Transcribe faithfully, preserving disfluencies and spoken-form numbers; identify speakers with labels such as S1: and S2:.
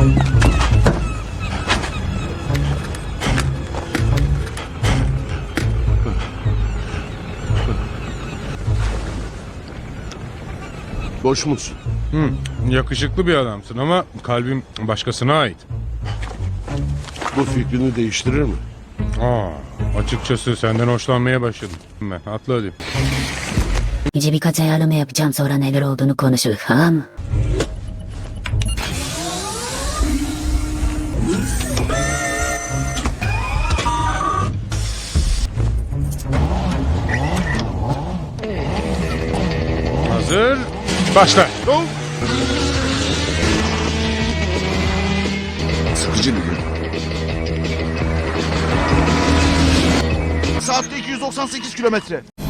S1: Boş musun?
S2: Hı, yakışıklı bir adamsın ama kalbim başkasına ait.
S1: Bu fikrini değiştirir mi?
S2: Aa, açıkçası senden hoşlanmaya başladım. Ben atla hadi.
S3: İyice birkaç ayarlama yapacağım, sonra neler olduğunu konuşuruz, tamam mı?
S2: Hazır, başla.
S1: Go! Sıkıcı bir gün.
S4: Saatte iki yüz doksan sekiz kilometre.